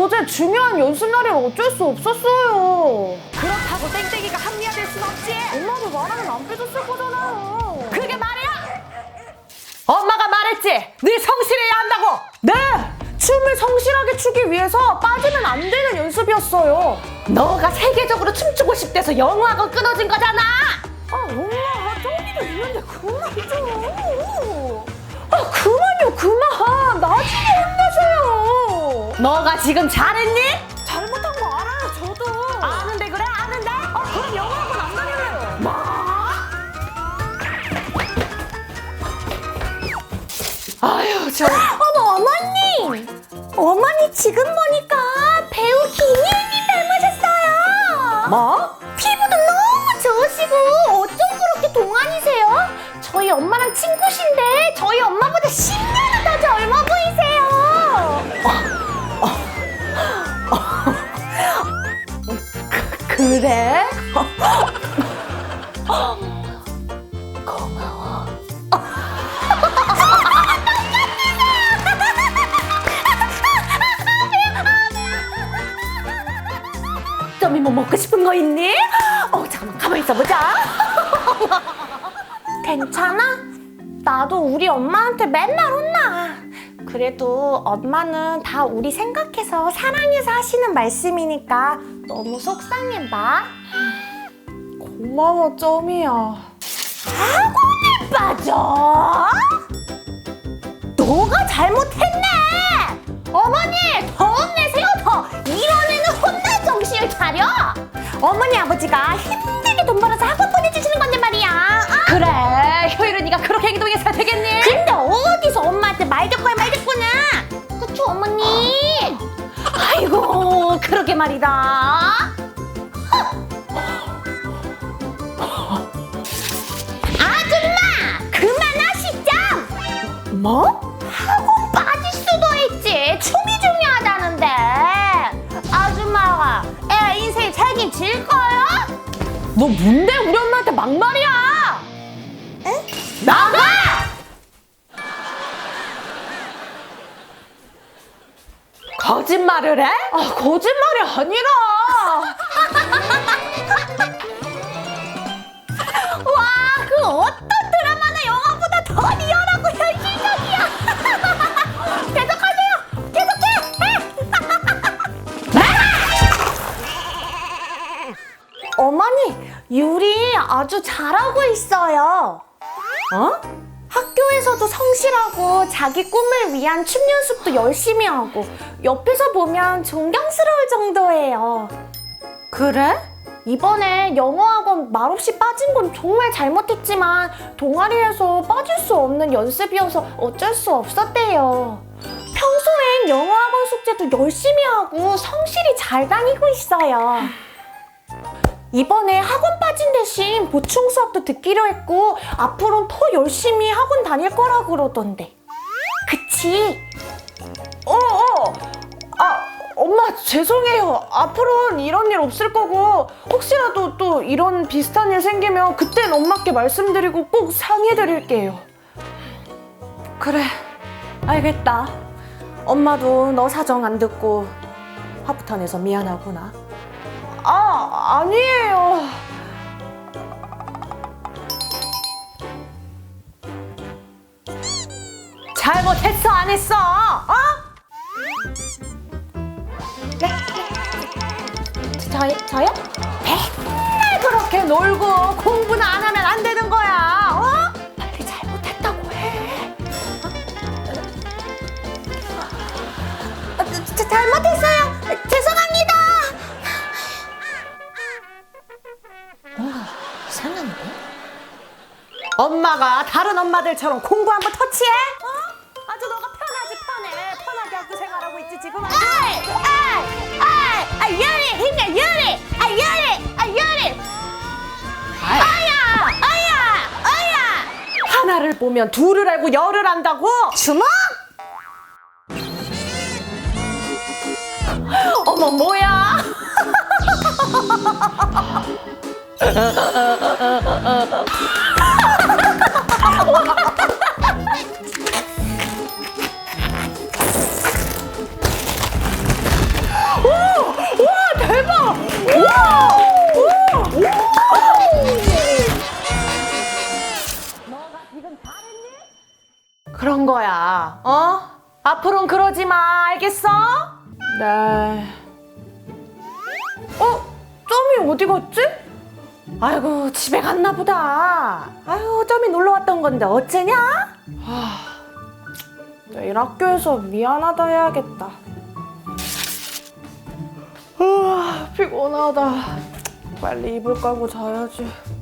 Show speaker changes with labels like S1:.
S1: 어제 중요한 연습 날이라 어쩔 수 없었어요.
S2: 그렇다고 땡땡이가 합리화될 순 없지.
S1: 엄마도 말하면 안 빼줬을 거잖아요.
S2: 그게 말이야? 엄마가 말했지. 늘 성실해야 한다고.
S1: 네! 춤을 성실하게 추기 위해서 빠지면 안 되는 연습이었어요.
S2: 너가 세계적으로 춤추고 싶대서 영어학원 끊어진 거잖아.
S1: 아, 엄마, 쫑이도 있는데 그만 좀. 아, 그만요, 그만. 나중에 혼내줘요.
S2: 너가 지금 잘했니?
S1: 잘못한 거 알아요, 저도.
S2: 아는데 그래? 아는데?
S1: 그럼 영어학원 안 다닐래요.
S2: 뭐? 아유, 저.
S1: 어머, 어머님! 어머니 지금 보니까 배우 김혜인님 닮으셨어요.
S2: 뭐?
S1: 피부도 너무 좋으시고 어쩜 그렇게 동안이세요? 저희 엄마랑 친구신데 저희 엄마보다 10년은 더 젊어 보이세요.
S2: 그래?
S1: 고마워.
S2: 점이 뭐 먹고 싶은 거 있니? 잠깐만 가만히 있어보자.
S1: 괜찮아? 나도 우리 엄마한테 맨날 혼나. 그래도 엄마는 다 우리 생각해서 사랑해서 하시는 말씀이니까 너무 속상해 마. 고마워, 점이야. 학원에 빠져? 너가 잘못했네. 어머니, 더 혼내세요, 더. 이런 애는 혼날 정신을 차려. 어머니, 아버지가 힘들게 돈 벌어서 학원 보내주시는 건데 말이야.
S2: 그래, 효율은 네가 그렇게 행동해서 되겠니?
S1: 근데 어디서 엄마한테 말 듣고야 말 듣고는. 그쵸, 어머니?
S2: 아이고, 그러게 말이다.
S1: 아줌마, 그만하시죠.
S2: 뭐?
S1: 학원 빠질 수도 있지. 춤이 중요하다는데. 아줌마가 애 인생 책임질 거야?
S2: 너 뭔데 우리 엄마한테 막말이야?
S1: 에?
S2: 나가! 거짓말을 해?
S1: 거짓말이 아니라. 와, 그 어떤 드라마나 영화보다 더 리얼하고 현실적이야. 계속하세요. 계속해. 어머니, 유리 아주 잘하고 있어요.
S2: 어?
S1: 학교에서도 성실하고 자기 꿈을 위한 춤 연습도 열심히 하고 옆에서 보면 존경스러울 정도예요.
S2: 그래?
S1: 이번에 영어학원 말없이 빠진 건 정말 잘못했지만 동아리에서 빠질 수 없는 연습이어서 어쩔 수 없었대요. 평소엔 영어학원 숙제도 열심히 하고 성실히 잘 다니고 있어요. 이번에 학원 빠진 대신 보충 수업도 듣기로 했고 앞으로는 더 열심히 학원 다닐 거라 그러던데. 그치? 엄마 죄송해요. 앞으로는 이런 일 없을 거고 혹시라도 또 이런 비슷한 일 생기면 그땐 엄마께 말씀드리고 꼭 상의해드릴게요. 그래, 알겠다. 엄마도 너 사정 안 듣고 화부터 내서 미안하구나. 아니에요.
S2: 잘못했어 안 했어?
S1: 네? 저요? 맨날 그렇게 놀고 공부는 안 하면 안 되는 거야. 빨리 잘못했다고 해. 잘못했어요. 죄송합니다. 이상한데?
S2: 엄마가 다른 엄마들처럼 공부 한번 터치해?
S1: 아주 너가 편하게 학교 생활하고 있지 지금. 유리 힘내 유리. 아야.
S2: 하나를 보면 둘을 알고 열을 안다고?
S1: 주먹.
S2: 어머 뭐야? 하는 거야. 앞으로는 그러지 마. 알겠어?
S1: 네. 점이 어디 갔지?
S2: 아이고, 집에 갔나 보다. 아유, 점이 놀러 왔던 건데 어째냐?
S1: 내일 학교에서 미안하다 해야겠다. 피곤하다. 빨리 이불 깔고 자야지.